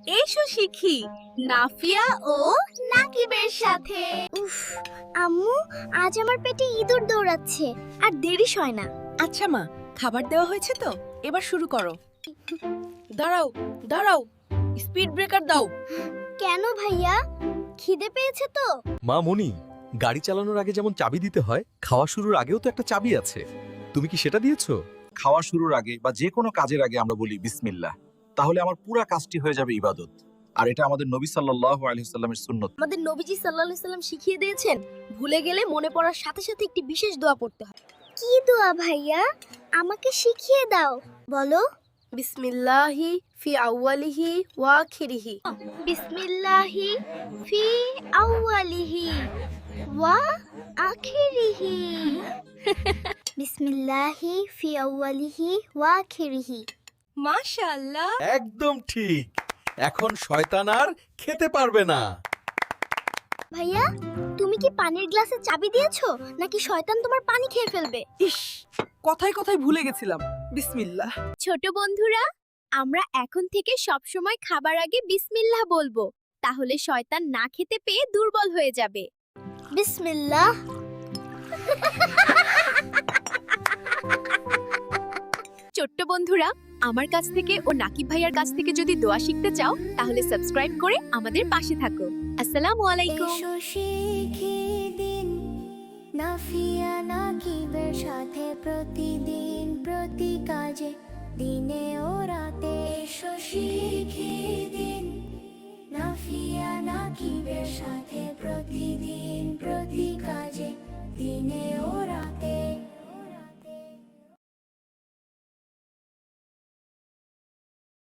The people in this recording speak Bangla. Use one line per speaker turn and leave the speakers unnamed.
এসো শিখি নাফিয়া ও নাকিবের সাথে।
উফ, আম্মু আজ আমার পেটে ইঁদুর দৌড়াচ্ছে আর দেরি হয় না।
আচ্ছা মা, খাবার দেওয়া হয়েছে তো, এবার শুরু করো। দাঁড়াও দাঁড়াও, স্পিড ব্রেকার দাও।
কেন ভাইয়া, খিদে পেয়েছে তো?
মা মনি, গাড়ি চালানোর আগে যেমন চাবি দিতে হয়, খাওয়া শুরুর আগেও তো একটা চাবি আছে। তুমি কি সেটা দিয়েছো?
খাওয়া শুরুর আগে বা যে কোনো কাজের আগে আমরা বলি বিসমিল্লাহ, তাহলে আমার পুরো কাজটি হয়ে যাবে ইবাদত। আর এটা আমাদের নবী সাল্লাল্লাহু আলাইহি সাল্লামের সুন্নত।
আমাদের নবীজি সাল্লাল্লাহু আলাইহি সাল্লাম শিখিয়ে দিয়েছেন, ভুলে গেলে মনে পড়ার সাথে সাথে একটি বিশেষ দোয়া পড়তে হয়। কি দোয়া ভাইয়া, আমাকে শিখিয়ে দাও, বলো।
বিসমিল্লাহি ফি আউয়ালিহি ওয়া আখিরিহি।
বিসমিল্লাহি ফি আউয়ালিহি ওয়া আখিরিহি। বিসমিল্লাহি ফি আউয়ালিহি ওয়া আখিরিহি।
মাশাআল্লাহ।
একদম ঠিক। এখন শয়তান আর খেতে পারবে না।
ভাইয়া, তুমি কি পানির গ্লাসে চাবি দিয়েছো নাকি শয়তান তোমার পানি খেয়ে ফেলবে?
ইস, কথায় কথায় ভুলে গেছিলাম। বিসমিল্লাহ।
ছোট বন্ধুরা, আমরা এখন থেকে সব সময় খাবার আগে বিসমিল্লাহ বলবো, তাহলে শয়তান না খেতে পেয়ে দুর্বল হয়ে যাবে। বিসমিল্লাহ।
ছোট্ট বন্ধুরা, আমার কাছ থেকে ও নাকিব ভাইয়ার কাছ থেকে যদি দোয়া শিখতে চাও তাহলে সাবস্ক্রাইব করে আমাদের পাশে থাকো। আসসালামু আলাইকুম।
এসো শিখি দিন নাফিয়া নাকিবের সাথে প্রতিদিন প্রতি কাজে দিনে ও রাতে এসো